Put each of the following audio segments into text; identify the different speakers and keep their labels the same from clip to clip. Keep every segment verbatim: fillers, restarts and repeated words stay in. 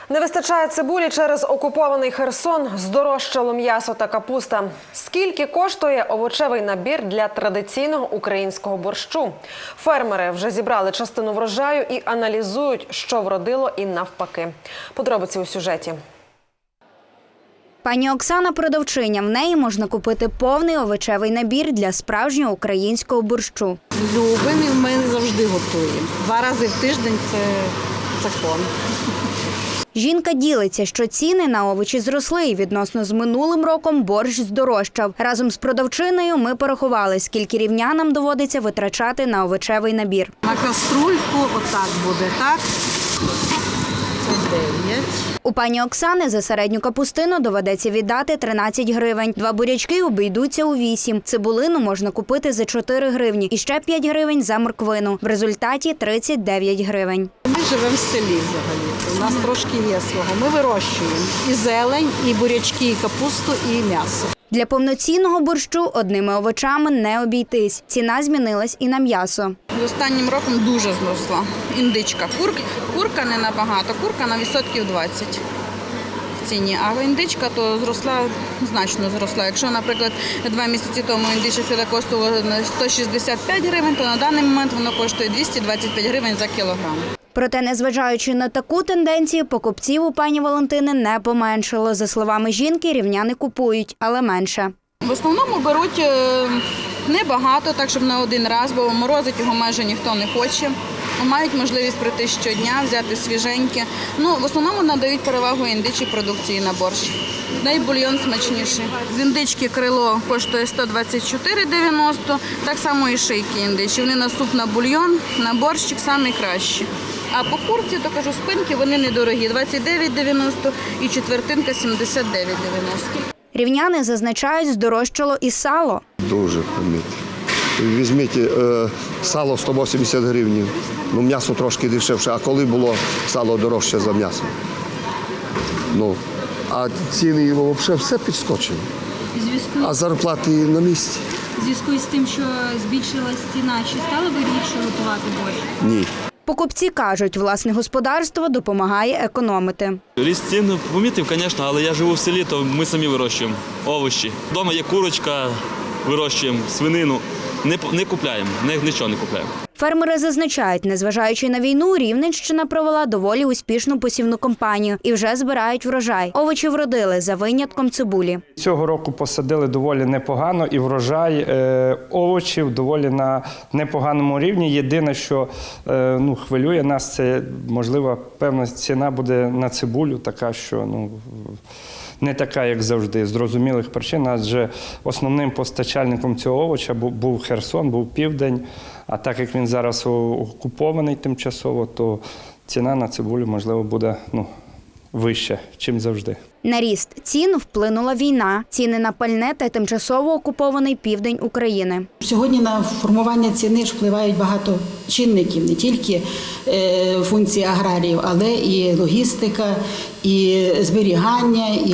Speaker 1: Не вистачає цибулі через окупований Херсон, здорожчало м'ясо та капуста. Скільки коштує овочевий набір для традиційного українського борщу? Фермери вже зібрали частину врожаю і аналізують, що вродило і навпаки. Подробиці у сюжеті.
Speaker 2: Пані Оксана – продавчиня. В неї можна купити повний овочевий набір для справжнього українського борщу.
Speaker 3: Любимо, і ми завжди готуємо. Два рази в тиждень – це закон.
Speaker 2: Жінка ділиться, що ціни на овочі зросли і відносно з минулим роком борщ здорожчав. Разом з продавчиною ми порахували, скільки рівнянам доводиться витрачати на овочевий набір.
Speaker 3: На каструльку отак буде, так? Це дев'ять.
Speaker 2: У пані Оксани за середню капустину доведеться віддати тринадцять гривень. Два бурячки обійдуться у вісім. Цибулину можна купити за чотири гривні і ще п'ять гривень за морквину. В результаті тридцять дев'ять гривень.
Speaker 3: Ми живемо в селі взагалі. У нас трошки є свого. Ми вирощуємо і зелень, і бурячки, і капусту, і м'ясо.
Speaker 2: Для повноцінного борщу одними овочами не обійтись. Ціна змінилась і на м'ясо.
Speaker 4: З останнім роком дуже зросла індичка. Кур, курка не набагато, курка на відсотків двадцять в ціні, а індичка то зросла, значно зросла. Якщо, наприклад, два місяці тому індиче філе коштувало сто шістдесят п'ять гривень, то на даний момент воно коштує двісті двадцять п'ять гривень за кілограм.
Speaker 2: Проте, незважаючи на таку тенденцію, покупців у пані Валентини не поменшало. За словами жінки, рівняни купують, але менше.
Speaker 4: В основному беруть небагато, так щоб на один раз, бо морозить його майже ніхто не хоче. Мають можливість прийти щодня, взяти свіженьке. Ну, в основному надають перевагу індичій продукції на борщ. З неї бульйон смачніший. З індички крило коштує сто двадцять чотири дев'яносто, так само і шийки індичі. Вони на суп, на бульйон, на борщик найкращі. А по курці, то кажу, спинки вони недорогі – двадцять дев'ять дев'яносто і четвертинка сімдесят дев'ять дев'яносто.
Speaker 2: Рівняни зазначають, здорожчало і сало.
Speaker 5: Дуже помітно. Візьміть е, сало сто вісімдесят гривень, ну м'ясо трошки дешевше, а коли було сало дорожче за м'ясо? Ну, а ціни взагалі все підскочили, а зарплати на місці.
Speaker 6: У зв'язку з тим, що збільшилась ціна, чи стало вигідніше готувати борщ?
Speaker 5: Ні.
Speaker 2: Покупці кажуть, власне господарство допомагає економити.
Speaker 7: Ріст цін помітив, звісно, але я живу в селі, то ми самі вирощуємо овочі. Вдома є курочка, вирощуємо свинину. Не, не купляємо, не, нічого не купляємо.
Speaker 2: Фермери зазначають, незважаючи на війну, Рівненщина провела доволі успішну посівну кампанію і вже збирають врожай. Овочі вродили, за винятком цибулі.
Speaker 8: Цього року посадили доволі непогано і врожай е, овочів доволі на непоганому рівні. Єдине, що е, ну, хвилює нас, це, можливо, певна ціна буде на цибулю, така, що ну, не така, як завжди, з зрозумілих причин, адже основним постачальником цього овоча був Херсон, був Південь, а так як він зараз окупований тимчасово, то ціна на цибулю, можливо, буде ну, вища, чим завжди.
Speaker 2: На ріст цін вплинула війна, ціни на пальне та тимчасово окупований південь України.
Speaker 9: Сьогодні на формування ціни ж впливають багато чинників, не тільки функції аграріїв, але і логістика, і зберігання, і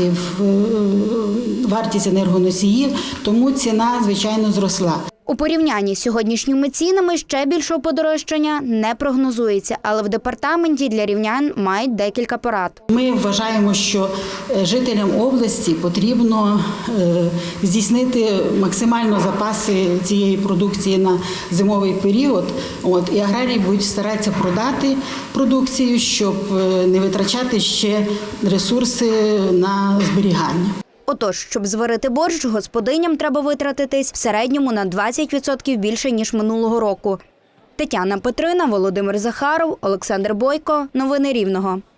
Speaker 9: вартість енергоносіїв, тому ціна, звичайно, зросла.
Speaker 2: У порівнянні з сьогоднішніми цінами ще більшого подорожчання не прогнозується, але в департаменті для рівнян мають декілька порад.
Speaker 9: Ми вважаємо, що жителям області потрібно здійснити максимально запаси цієї продукції на зимовий період. От, і аграрії будуть старатися продати продукцію, щоб не витрачати ще ресурси на зберігання.
Speaker 2: Отож, щоб зварити борщ, господиням треба витратитись в середньому на двадцять відсотків більше, ніж минулого року. Тетяна Петрина, Володимир Захаров, Олександр Бойко. Новини Рівного.